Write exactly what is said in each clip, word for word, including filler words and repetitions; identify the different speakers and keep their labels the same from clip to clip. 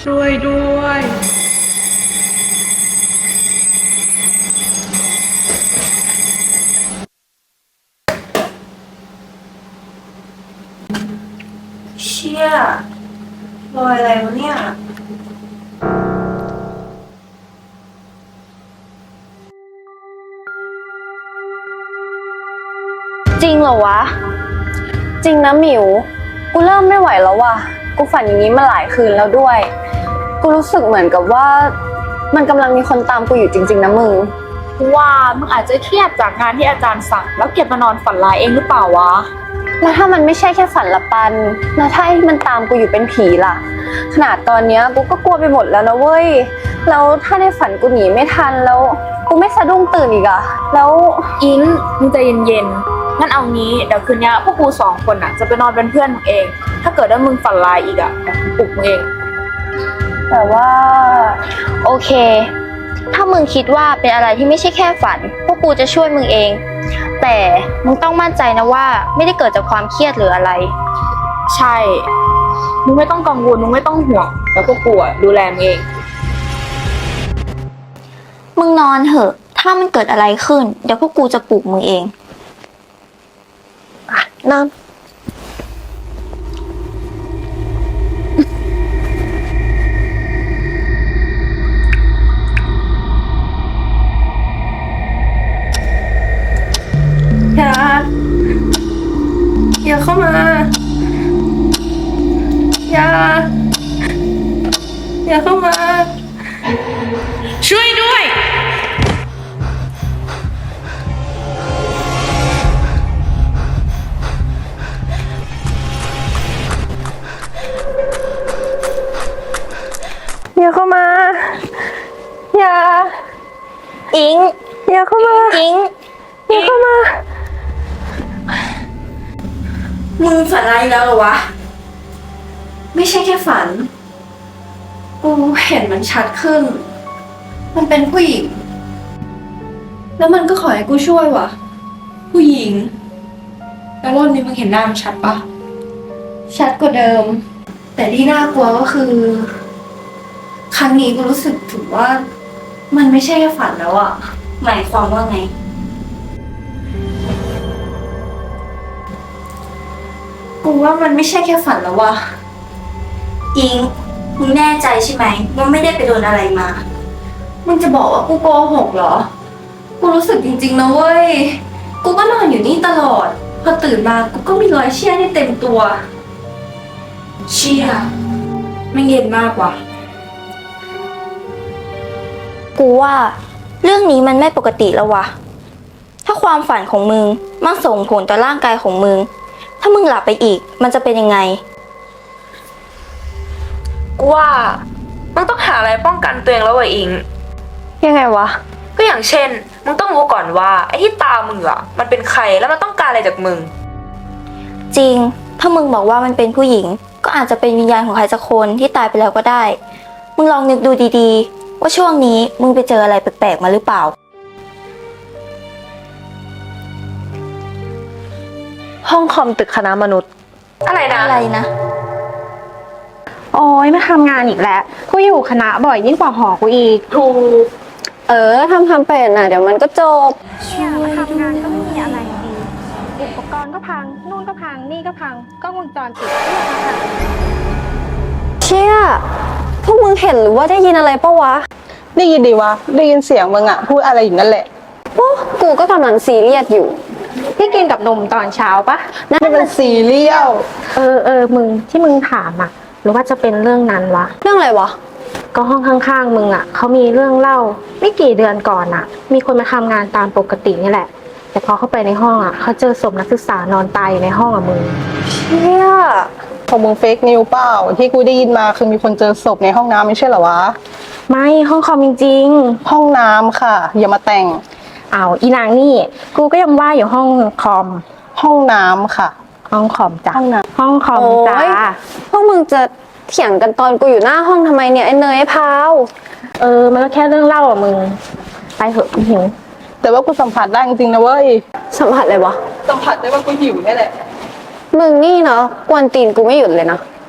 Speaker 1: ช่วยด้วย
Speaker 2: เชี่ยรอยอะไรวะเนี่ย
Speaker 3: จริงเหรอวะจริงนะหมิวกูเริ่มไม่ไหวแล้วว่ะกูฝันอย่างนี้มาหลายคืนแล้วด้วยกูรู้สึกเหมือนกับว่ามันกำลังมีคนตามกูอยู่จริงๆนะมึง
Speaker 4: ว่ามึงอาจจะเครียดจากงานที่อาจารย์สั่งแล้วเก็บมานอนฝันร้ายเองหรือเปล่าวะ
Speaker 3: แล้วถ้ามันไม่ใช่แค่ฝันละปันแล้วถ้ามันตามกูอยู่เป็นผีล่ะขนาดตอนเนี้ยกูก็กลัวไปหมดแล้วนะเว้ยแล้วถ้าในฝันกูหนีไม่ทันแล้วกูไม่สะดุ้งตื่นอีกอะแล้ว
Speaker 4: อิงมึงใจเย็นๆงั้นเอางี้เดี๋ยวคืนนี้พวกกูสองคนอ่ะจะไปนอนเป็นเพื่อนมึงเองถ้าเกิดว่ามึงฝันร้ายอีกอ่ะเดี๋ยวกูปลุกมึงเอง
Speaker 3: แต่ว่าโอเคถ้ามึงคิดว่าเป็นอะไรที่ไม่ใช่แค่ฝันพวกกูจะช่วยมึงเองแต่มึงต้องมั่นใจนะว่าไม่ได้เกิดจากความเครียดหรืออะไร
Speaker 4: ใช่มึงไม่ต้องกังวลมึงไม่ต้องห่วงเดี๋ยวพวกกูอ่ะดูแลมึงเอง
Speaker 3: มึงนอนเถอะถ้ามันเกิดอะไรขึ้นเดี๋ยวพวกกูจะปลุกมึงเองอ่ะนอน
Speaker 2: อย่าอย่าเข้ามาอย่าอย่าเข้ามา
Speaker 1: ช่วยด้วย
Speaker 2: อย่าเข้ามาอย่า
Speaker 3: อิง
Speaker 2: อย่าเข้ามา
Speaker 3: อิง
Speaker 2: อย่าเข้ามามึงฝันอะไรแล้วเหรอวะไม่ใช่แค่ฝันกูเห็นมันชัดขึ้นมันเป็นผู้หญิงแล้วมันก็ขอให้กูช่วยว่ะ
Speaker 1: ผู้หญิงแล้วรอบนี้มึงเห็นหน้ามันชัดปะ
Speaker 2: ชัดกว่าเดิมแต่ที่น่ากลัวก็คือครั้งนี้กูรู้สึกถึงว่ามันไม่ใช่แค่ฝันแล้วอะหมายความว่าไงกูว่ามันไม่ใช่แค่ฝันแล้วว่ะอิงมึงแน่ใจใช่ไหมว่าไม่ได้ไปโดนอะไรมามึงจะบอกว่ากูโกหกเหรอกูรู้สึกจริงๆนะเว้ยกูก็นอนอยู่นี่ตลอดพอตื่นมากูก็มีรอยเชี่ยนี่เต็มตัว
Speaker 1: เชี่ยไม่เย็นมากว่ะ
Speaker 3: กูว่าเรื่องนี้มันไม่ปกติแล้ววะถ้าความฝันของมึงมันส่งผลต่อร่างกายของมึงถ้ามึงหลับไปอีกมันจะเป็นยังไง
Speaker 4: กูว่ามึงต้องหาอะไรป้องกันตัวเองแล้วว่ะอิง
Speaker 3: ยังไงวะ
Speaker 4: ก็อย่างเช่นมึงต้องรู้ก่อนว่าไอ้ที่ตามมึงอ่ะมันเป็นใครแล้วมันต้องการอะไรจากมึง
Speaker 3: จริงถ้ามึงบอกว่ามันเป็นผู้หญิงก็อาจจะเป็นวิญญาณของใครสักคนที่ตายไปแล้วก็ได้มึงลองนึกดูดีๆว่าช่วงนี้มึงไปเจออะไรแปลกๆมาหรือเปล่า
Speaker 2: ห้องคอมตึกคณะมนุษย์
Speaker 4: อะไรนะ
Speaker 3: อะไรนะ
Speaker 5: โอ้ยมาทำงานอีกแล้วกูอยู่คณะบ่อยยิ่งกว่าหอกูอีก
Speaker 4: ถูก
Speaker 3: เออทำทำเป็นน่ะเดี๋ยวมันก็จบ
Speaker 5: ช่วยทำงานก็ไม่มีอะไรดีอุปกรณ์ก็พังนู่นก็พังนี่ก็พังกล้องวงจรปิดก็พัง
Speaker 3: เชี่ยพวกมึงเห็นหรือว่าได้ยินอะไรปะวะ
Speaker 6: ได้ยินดีวะได้ยินเสียงมึงอะพูดอะไรอยู่นั่นแหละ
Speaker 3: โอ้กูก็กำลังซีเรียสอยู่
Speaker 5: พี่กินกับนมตอนเช้าปะ
Speaker 6: นั่นเป็นซีเรียล
Speaker 5: เออเออมึงที่มึงถามอะหรือว่าจะเป็นเรื่องนั้นวะ
Speaker 3: เรื่องอะไรวะ
Speaker 5: ก็ห้องข้างๆมึงอะเขามีเรื่องเล่าไม่กี่เดือนก่อนอะมีคนมาทำงานตามปกตินี่แหละแต่พอเข้าไปในห้องอะเขาเจอศพนักศึกษานอนตายอยู่ในห้องอะมึง
Speaker 3: เชี่ย
Speaker 6: ของมึงเฟกนิวเปล่าที่กูได้ยินมาคือมีคนเจอศพในห้องน้ำไม่ใช่เหรอวะ
Speaker 5: ไม่ห้องคอมจริง
Speaker 6: ๆห้องน้ำค่ะอย่ามาแต่ง
Speaker 5: เอาอีนางนี่กูก็ยังว่าอยู่ห้องคอม
Speaker 6: ห้องน้ำค่ะ
Speaker 5: ห้องคอมจ้ะ
Speaker 6: ห้องน้
Speaker 5: ำห้องคอมจ้า
Speaker 3: พวกมึงจะเถียงกันตอนกูอยู่หน้าห้องทำไมเนี่ยไอ้เนยไอ้พาว
Speaker 5: เออมันก็แค่เรื่องเล่าอ่ะมึงไปเถอะกูหิว
Speaker 6: แต่ว่ากูสัมผัสได้จริงๆนะเว้ย
Speaker 3: สัมผัสอะไรวะ
Speaker 6: สัมผัสได้ว่ากูหิวนี่แหละ
Speaker 3: มึงนี่เนาะกวนตีนกูไม่หยุดเลยนะ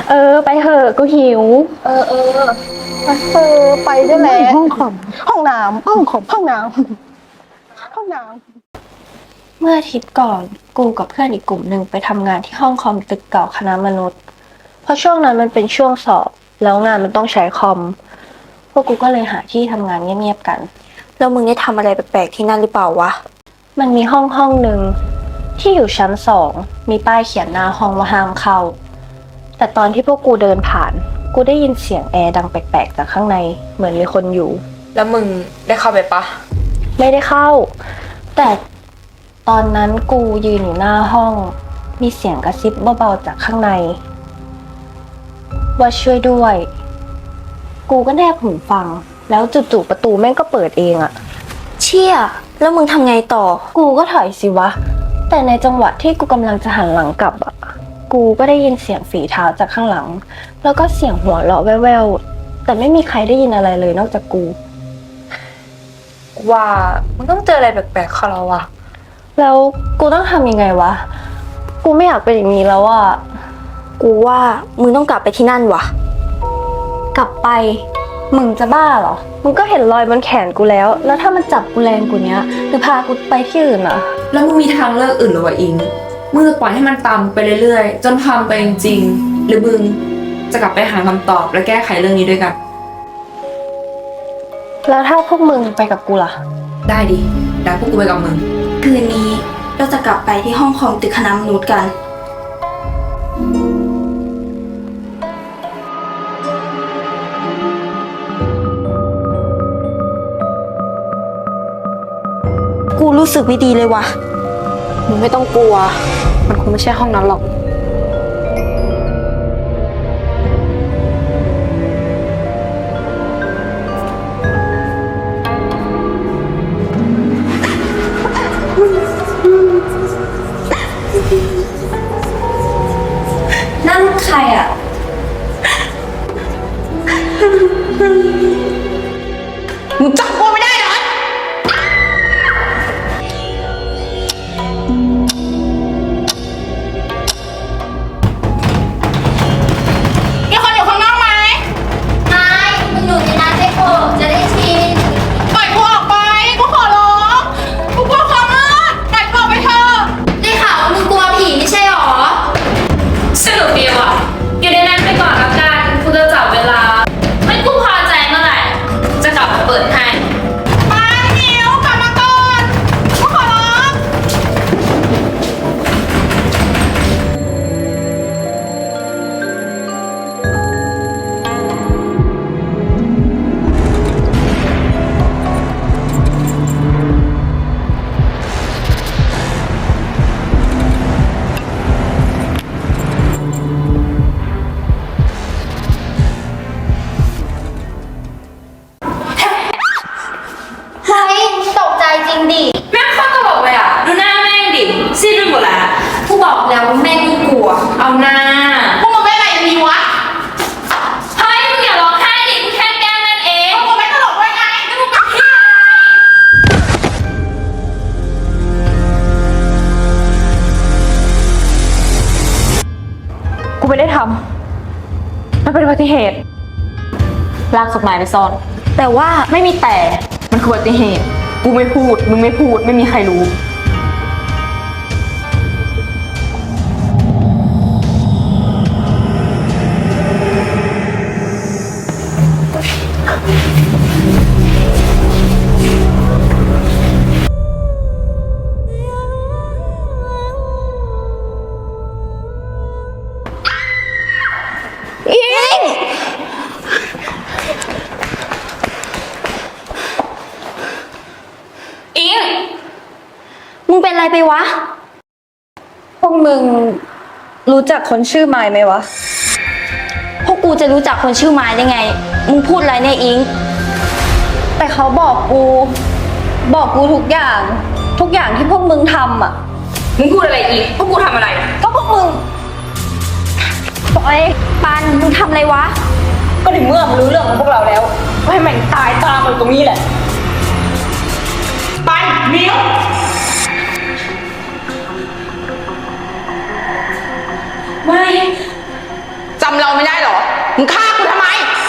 Speaker 5: เออ ไปเถอะกูหิว
Speaker 6: เออเออเออไปได้แหละ
Speaker 5: ห้องคอม
Speaker 6: ห้องน้ำห้องของห้องน้ำห้องน้ำ
Speaker 3: เมื่ออาทิตย์ก่อนกูกับเพื่อนอีกกลุ่มหนึ่งไปทำงานที่ห้องคอมตึกเก่าคณะมนุษย์ เพราะช่วงนั้นมันเป็นช่วงสอบแล้วงานมันต้องใช้คอม พวกกูก็เลยหาที่ทำงานเงียบๆกัน
Speaker 2: แล้วมึงได้ทำอะไรแปลกๆที่นั่นหรือเปล่าวะ
Speaker 3: มันมีห้องห้องหนึ่งที่อยู่ชั้นสองมีป้ายเขียนหน้าห้องว่าห้ามเข้า แต่ตอนที่พวกกูเดินผ่าน กูได้ยินเสียงแอร์ดังแปลกๆจากข้างในเหมือนมีคนอยู่
Speaker 4: แล้วมึงได้เข้าไปปะ
Speaker 3: ไม่ได้เข้า แต่ตอนนั้นกูยืนอยู่หน้าห้อง มีเสียงกระซิบเบาๆจากข้างใน ว่าช่วยด้วย กูก็แนบหูฟัง แล้วจู่ๆประตูแม่งก็เปิดเองอะ
Speaker 2: เชี่ย แล้วมึงทำไงต่อ
Speaker 3: กูก็ถอยสิวะ แต่ในจังหวะที่กูกำลังจะหันหลังกลับอะกูก็ได้ยินเสียงฝีเท้าจากข้างหลัง แล้วก็เสียงหัวเราะแว่วๆแต่ไม่มีใครได้ยินอะไรเลยนอกจากกู
Speaker 4: ว่ามึงต้องเจออะไรแปลกๆเข้าแล้ววะ
Speaker 3: แล้วกูต้องทำยังไงวะ กูไม่อยากเป็นอย่างนี้แล้วอะ
Speaker 2: กูว่ามึงต้องกลับไปที่นั่นวะ
Speaker 3: กลับไป มึงจะบ้าเหรอ มึงก็เห็นรอยบนแขนกูแล้ว แล้วถ้ามันจับกูแรงกูเนี้ยหรือพากูไปที่อื่นอะ
Speaker 1: แล้วมึงมีทางเลือกอื่นหรือวะอิงมึงจะปล่อยให้มันตามไปเรื่อยๆ จนพังไปจริงๆหรือมึงจะกลับไปหาคำตอบและแก้ไขเรื่องนี้ด้วยกัน
Speaker 3: แล้วถ้าพวกมึงไปกับกูล่ะ
Speaker 1: ได้ดิได้พวกกูไปกับมึง
Speaker 2: คืนนี้เราจะกลับไปที่ห้องคอมตึกคณะมนุษย์กัน กูรู้สึกไม่ดีเลยว่ะ
Speaker 4: มึงไม่ต้องกลัว มันคงไม่ใช่ห้องนั้นหรอก
Speaker 2: นั่นใครอ่ะ
Speaker 6: มึงจับกูไม่ได้เหรอ
Speaker 2: มีคนอยู่ข้างนอกไหมไม่มึงอยู่ในนั้นได้โปรดจะได้ชิน
Speaker 6: ปล่อยกูออกไป กูขอร้อง กูกลัวความมืดปล่อยกูออกไปเถอะ
Speaker 2: ได้ข่าวว่ามึงกลัวผีไม่ใช่หรอ
Speaker 7: สนุกดีว่ะอยู่ในนั้นไปก่อนละกันกูจะจับเวลา ไม่กูพอใจเมื่อไหร่ จะกลับมาเปิดให้
Speaker 6: ไปเหนียวกลับมาก่อน กูขอร้อง
Speaker 2: เฮ้ยตกใจจริงดิ
Speaker 7: แม่งโคตรตลกเลยอ่ะ ดูหน้าแม่งดิซีดไปหมดแล้ว
Speaker 2: กูบอกแล้วว่าแม่กูกลัว
Speaker 7: เอาหน้า
Speaker 6: พวกมึงไม่อะไรมีวะ
Speaker 7: เฮ้ยมึงอย่าร้องไห้ดิกูแค่แกล้งนั่นเอง
Speaker 6: มึงไม่ตลกด้วยไงแล้วมึงกับพี่
Speaker 4: กูไม่ได้ทำ มันเป็นอุบัติเหตุ ลากศพนายไปซ่อน
Speaker 2: แต่ว่า
Speaker 4: ไม่มีแต่ มันคืออุบัติเหตุ กูไม่พูด มึงไม่พูด ไม่มีใครรู้
Speaker 7: อิง
Speaker 2: มึงเป็นอะไรไปวะ
Speaker 3: พวกมึงรู้จักคนชื่อไมล์ไหมวะ
Speaker 2: พวกกูจะรู้จักคนชื่อไม้ได้ไง มึงพูดอะไรเนี่ยอิง
Speaker 3: แต่เขาบอกกู บอกกูทุกอย่าง ทุกอย่างที่พวกมึงทำอ่ะ
Speaker 7: มึงพูดอะไรอีก พวกกูทำอะไร
Speaker 3: ก็พวกมึงปล่อย
Speaker 2: ปัน มึงทำอะไรวะ
Speaker 4: ก็ในเมื่อมันรู้เรื่องของพวกเราแล้วก็ให้มันตายตามมันตรงนี้แหละ
Speaker 6: ไปเหนียว
Speaker 7: ไม่
Speaker 6: จำเราเราไม่ได้เหรอ มึงฆ่ากูทำไม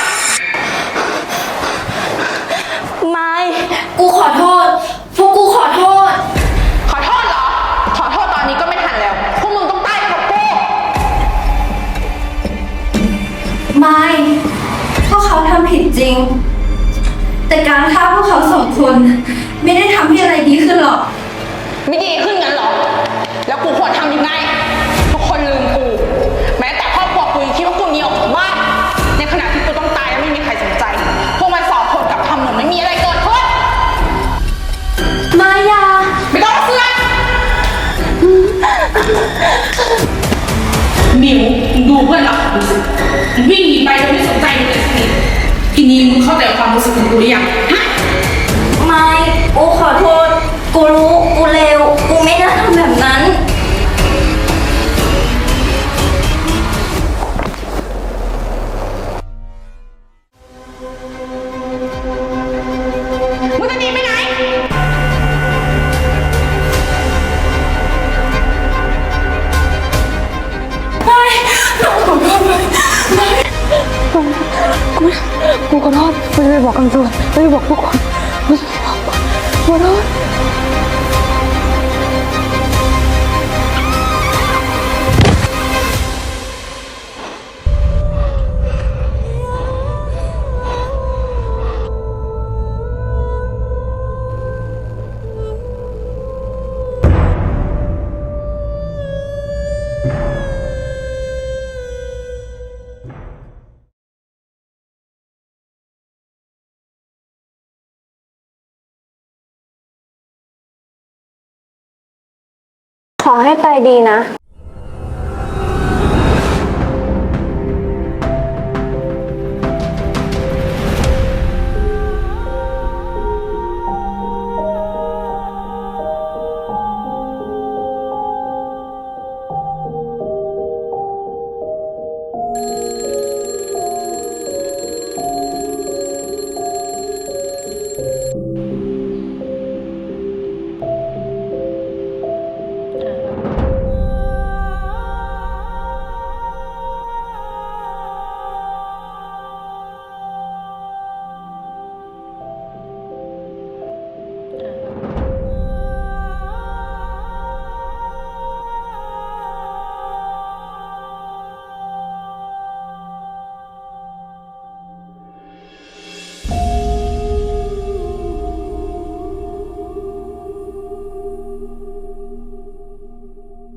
Speaker 2: ไม่ กูขอโทษ พวกกูขอโทษ
Speaker 6: ขอโทษเหรอ ขอโทษตอนนี้ก็ไม่ทันแล้ว พวกมึงต้องตายไปกับกู
Speaker 2: ไม่พวกเขาทำผิดจริง แต่การฆ่าพวกเขาสองคนไม่ได้ทำให้อะไรดีขึ้นหรอก
Speaker 6: ไม่ดีขึ้นงั้นเหรอ แล้วกูควรทำยังไง ทุกคนลืมกู แม้แต่ครอบครัวกูยังคิดว่ากูหนีออกจากบ้าน ในขณะที่กูต้องตายแล้วไม่มีใครสนใจ พวกมันสองคนกลับทำเหมือนไม่มีอะไรเกิดขึ้น
Speaker 2: มายา
Speaker 6: ไม่ต้องมาเสือกหมิวมึงดูเพื่อนรักของกูสิมึงวิ่งหนีไปโดยไม่สนใจมึงเลยสักนิดทีนี้มึงเข้าใจความรู้สึกของกูหรือยังฮะ
Speaker 2: ไม่ กูขอโทษ กูรู้ กูเลว กูไม่น่าทำแบบนั้น
Speaker 6: มึงจะหนีไปไหน
Speaker 5: กูขอโทษกูจะไปบอกกันตัวกูจะบอกทุกคนกูจะบอกขอโทษ
Speaker 3: ขอให้ไปดีนะ